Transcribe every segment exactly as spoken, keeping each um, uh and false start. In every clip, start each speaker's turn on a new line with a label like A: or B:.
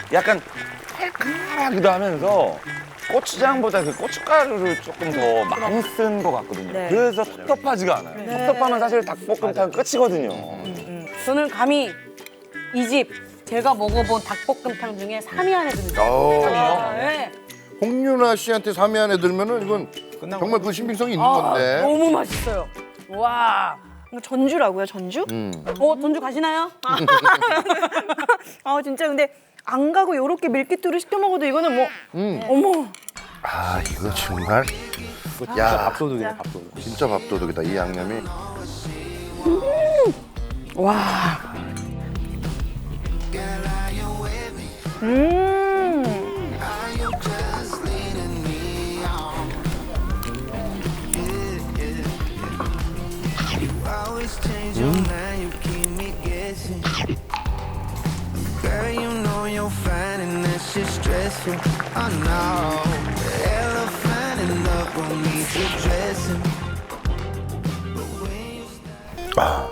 A: 약간 칼칼하기도 하면서 고추장보다 그 고춧가루를 조금 더 많이 쓴 것 같거든요.
B: 네.
A: 그래서 텁텁하지가 않아요.
B: 네.
A: 텁텁하면 사실 닭볶음탕 끝이거든요.
B: 저는 감히 이 집 제가 먹어본 닭볶음탕 중에 삼 위 안에 듭니다.
C: 어,
B: 아, 네.
C: 홍윤아 씨한테 삼 위 안에 들면은 이건
D: 끝나고
C: 정말 그 신빙성이 있는
B: 아,
C: 건데.
B: 너무 맛있어요. 와.
E: 이거 전주라고요, 전주?
C: 음.
B: 어, 전주 가시나요?
E: 아 진짜 근데 안 가고 요렇게 밀키트로 시켜 먹어도 이거는 뭐
C: 음.
E: 어머
C: 아 이거 정말
D: 야
C: 야
D: 밥도둑이네 밥도둑.
C: 진짜 밥도둑이다 이 양념이.
B: 와.
E: 음.
F: Girl, you know you're fine and that shit's stressful. I know the elephant in the room needs addressing.
C: 아.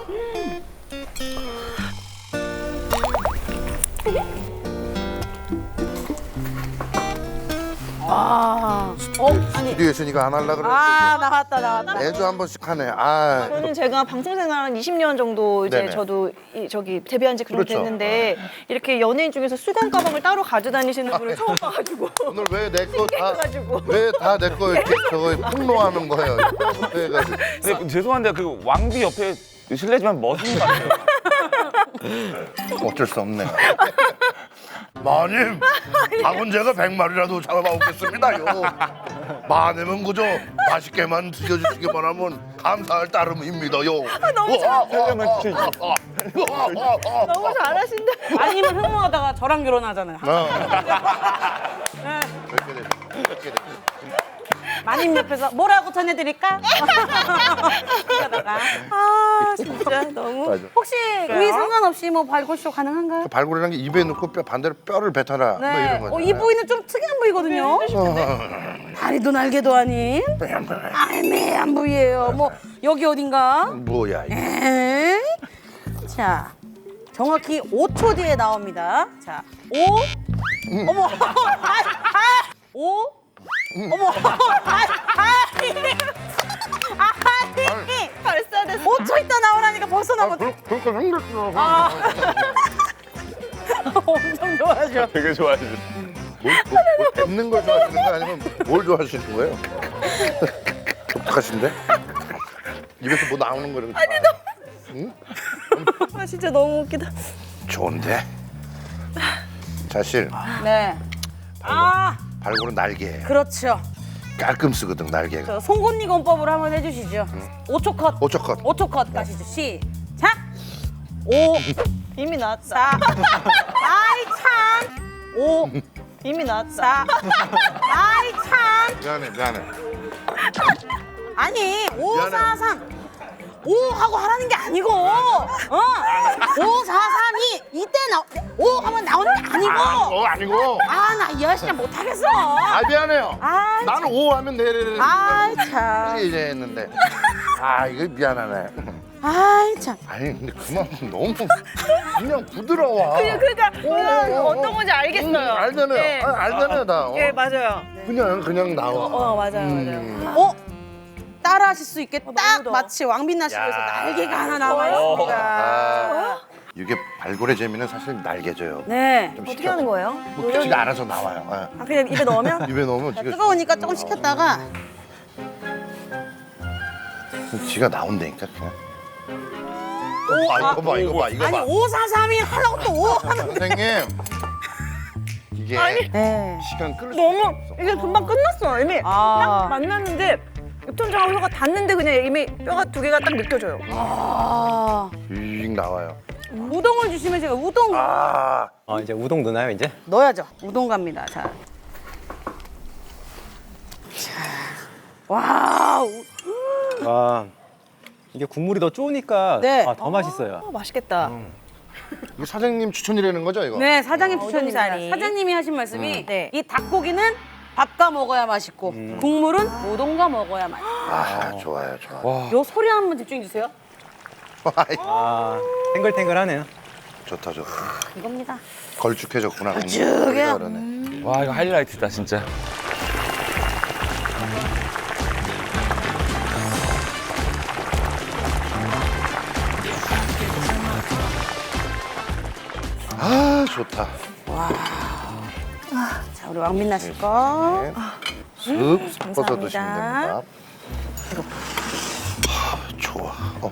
B: 아. 어, 아니.
C: 스튜디오에서 이거 안 하려고 그랬는데
B: 아, 나왔다, 나왔다.
C: 매주 한 번씩 하네. 아.
E: 저는 제가 방송 생활 한 이십 년 정도 이제
C: 네네.
E: 저도 이, 저기 데뷔한 지 그렇게
C: 그렇죠.
E: 됐는데 이렇게 연예인 중에서 수건 가방을 따로 가져다니시는 분을 처음 봐가지고
C: 오늘 왜 내 거 다
E: 해가지고.
C: 왜 다 내 거 이렇게 저거 폭로하는 거예요? 이때부터 해가지고.
A: 근데 죄송한데 그 왕비 옆에 실례지만 멋진 거 같아요.
C: 어쩔 수 없네. 마님, 닭은 제가 백 마리라도 잡아먹겠습니다요. 마님은 그저 맛있게만 드셔주시기만 하면 감사할 따름입니다요.
E: 너무
C: 잘.
E: 너무 잘하신다.
B: 아니면 흥분하다가 저랑 결혼하잖아요.
C: 어. 그렇게 돼. 그렇게 돼.
B: 마님 옆에서 뭐라고 전해드릴까? 이러다가.
E: 아 진짜 너무.
C: 맞아.
B: 혹시 부위 상관없이 뭐 발골쇼 가능한가요?
C: 발골이라는 게 입에 넣고 뼈 반대로 뼈를 뱉어라. 뭐
B: 네.
C: 이런 거죠.
B: 어, 이 부위는 좀 특이한 부위거든요. 다리도 날개도 아닌 애매한 부위예요. 뭐 여기 어딘가?
C: 뭐야 이게.
B: 에이. 자, 정확히 오 초 뒤에 나옵니다. 자, 오. 어머. 아, 아, 오. 어머. 아, 아, 아니.
E: 벌써 됐어.
B: 오 초 있다 나오라니까 벌써
C: 아,
B: 나오고.
C: 그, 그렇게 생겼어.
B: 아. 엄청 좋아하죠.
A: 되게 좋아하시죠.
C: 뭘, 뭐, 뭐 뱉는 걸 좋아하시는 거예요? 아니면 뭘 좋아하시는 거예요? 독특하신데? 입에서 뭐 나오는 거 이런 거. 아니 너무.
E: 아 진짜 너무 웃기다.
C: 좋은데? 사실
B: 네. 아,
C: 발골은 날개예요.
B: 그렇죠.
C: 깔끔 쓰거든 날개가.
B: 저 송곳니 건법으로 한번 해주시죠. 오 초 컷.
C: 오 초 컷.
B: 오 초 컷 가시죠. 시작. 오,
E: 이미 나왔다.
B: 사. 아이 참. 오,
E: 이미 나왔다.
B: 사. 아이 참.
C: 미안해 미안해.
B: 아니, 오,
C: 미안해요.
B: 사, 삼. 오 하고 하라는 게 아니고, 어? 오, 사, 삼, 이. 이때 나, 오 하면 나오는 게 아니고.
C: 어 아니고.
B: 아, 나 이 아저씨 못하겠어.
C: 아 미안해요.
B: 아,
C: 나는 오 하면 내려는
B: 아이 참.
C: 이제 했는데. 아 이거 미안하네.
B: 아이 참.
C: 아니 근데 그만 너무 그냥 부드러워.
E: 그러니까
C: 오, 오, 오.
E: 어떤 건지 알겠어요.
C: 음, 알잖아요.
E: 네.
C: 아, 알잖아요 다. 어.
E: 예 맞아요.
C: 그냥 그냥 나와.
E: 어 맞아요
C: 음.
E: 맞아요.
B: 어? 따라 하실 수 있게 딱
E: 더워.
B: 마치 왕빛나 씨에서
C: 야.
B: 날개가 하나 남아 있습니다.
C: 아, 이게 발골의 재미는 사실 날개져요.
B: 네.
C: 좀
E: 어떻게
C: 시켜.
E: 하는 거예요?
C: 뭐 지가 알아서 나와요. 예.
E: 아 그냥 입에 넣으면?
C: 입에 넣으면 지가
B: 뜨거우니까 조금 식혔다가
C: 지가 나온다니까 그냥. 아 이거 봐 이거 봐 이거
B: 아니
C: 봐.
B: 오사삼이 하려고 또 오 하는.
C: 선생님 이게
B: 네.
C: 시간 끌 수
E: 너무
C: 없어.
E: 이게 금방 끝났어 이미
B: 아.
E: 딱 만났는데 입천장하고 혀가 닿는데 그냥 이미 뼈가 두 개가 딱 느껴져요.
B: 아.
C: 윙 나와요.
B: 우동을 주시면 제가 우동
C: 아
D: 아 이제 우동 넣나요 이제?
B: 넣어야죠. 우동 갑니다. 자. 자. 와. 우-
D: 아 이게 국물이 더 쪼니까
B: 네.
D: 아, 더 맛있어요.
E: 어, 맛있겠다.
C: 이거 사장님 추천이라는 거죠 이거?
B: 네, 사장님
E: 어,
B: 추천입니다.
E: 우동사리.
B: 사장님이 하신 말씀이
E: 네.
B: 이 닭고기는 밥과 먹어야 맛있고 국물은 우동과 먹어야 맛있어.
C: 아 좋아요 좋아.
D: 와,
B: 요 소리 한번 집중해 주세요.
C: 아이,
D: 아 탱글탱글하네요.
C: 좋다 좋다.
B: 이겁니다.
C: 걸쭉해졌구나.
B: 걸쭉해요.
C: 우리가 그러네.
A: 와 이거 하이라이트다 진짜.
C: 아 좋다.
B: 자, 우리 왕민나 씨 거.
C: 네. 슥 섞어서 드시면
E: 감사합니다.
C: 됩니다. 아, 좋아. 어.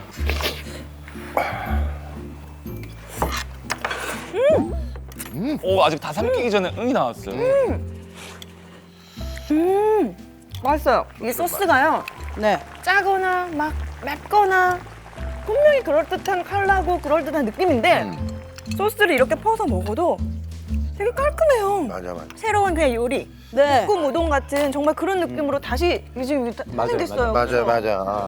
A: 오 아직 다 삼키기 전에 응이 나왔어요.
E: 맛있어요. 이 소스가요.
B: 네.
E: 짜거나 막 맵거나 분명히 그럴듯한 컬러고 그럴듯한 느낌인데 소스를 이렇게 퍼서 먹어도 되게 깔끔해요.
C: 맞아 맞아.
E: 새로운 그냥 요리.
B: 네.
E: 볶음 우동 같은 정말 그런 느낌으로 다시 지금
D: 맞아요,
E: 생겼어요.
C: 맞아 맞아.